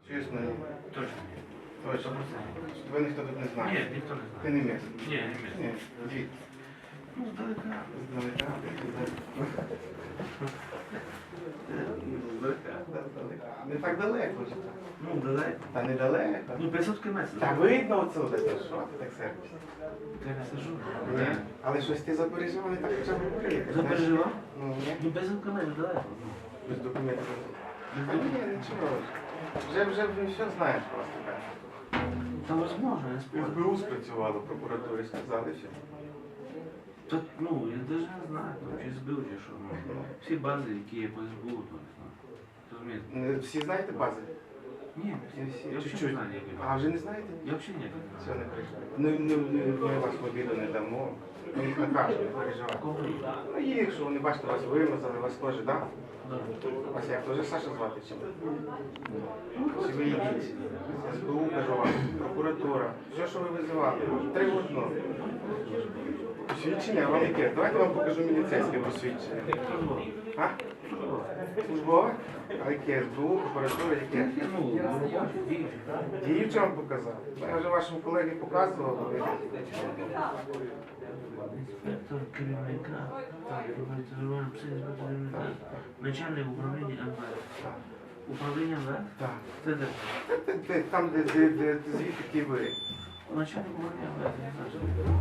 Чесно, ні. Точно. Точно. Ви ніхто тут не знає. Ні, ніхто не знає. Ти не місце. Ні, не місце. Ні, звідки? Ну, здалека. Здалека. Здалека. Не так далеко ж. Ну, далеко. Та недалеко. Ну, 500 кілометрів. Та видно отсюди, то що ти так сердишся? Я не сижу. Ні. Але щось ти запереживав, не так хоча б приїхати. Запереживав? Ну, ні. Ну, 500 кілометрів далеко. Без документів. Без Та ні, нічого. Вже все знаєш просто. так. Та возможно, я спорю. СБУ спрацювало, прокуратурі сказали все. Та, ну, я навіть не знаю, там, чи збив, чи що. Ну, всі бази, які є по СБУ, то не знаю. Розумієте? Всі знаєте бази? Ні, Не всі. я взагалі Чуть-чуть. не знаю, як А вже не знаєте? Я взагалі ніяк не Все, знаю. не переживайте. Ми вас в обіду не дамо. Ми їх накажемо, не переживайте. Кого є? Ну їх, що вони бачите, вас вимазали, вас теж, так? Да. Вас як теж Саша звати чи? Чи ви йдіть? СБУ, кажу вам, прокуратура, все, що ви визивали. 3 в одному. Посвідчення, вам яке? Давайте вам покажу міліцейське посвідчення. А? Службове? А яке? СБУ, прокуратура, яке? Ну, робочі, діючі, так? Діюче вам показав. Я вже вашому колегі показував. ви- Інспектор керівника, інспектор керівника, начальник управління МВС. Управління МВС? Так. Це де? Там, де звідки ті ви. Начальник управління МВС, не знаю,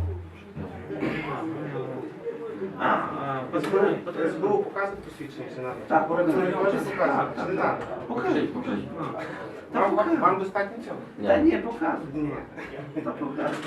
що це. СБУ показує посвідчення, чи надо? Так, Прокуратура показує. теж показує, чи не надо? Покажи. Вам достатньо цього? Та ні, показуй. Ні. Та показуй.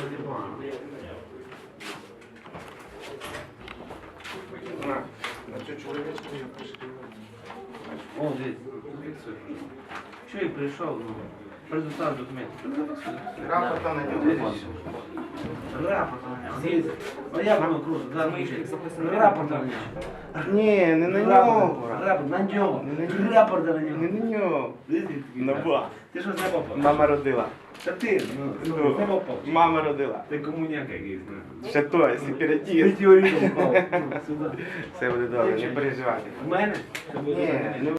На цю чоловічку я пишу. О, дивіться, зафіксуй. Чоловік прийшов, ну, предоставив документи. Рапорта на нього. Рапорт на нього. Дивіться. Ну як воно круто, да, ну, рапорт на нього. Ні, не на нього. Рапорт на нього. Не на нього. Рапорт на Не нього. на нього. На ба. Ти що з неба попав? Мама родила. Та ти, ну, з неба попав. Мама родила. Ти комуняка якийсь, ну. Ще той, сепаратіст. Метеоритом впав. Ну, сюди. Все буде добре, не переживайте. В мене? Це буде Ні, добре. не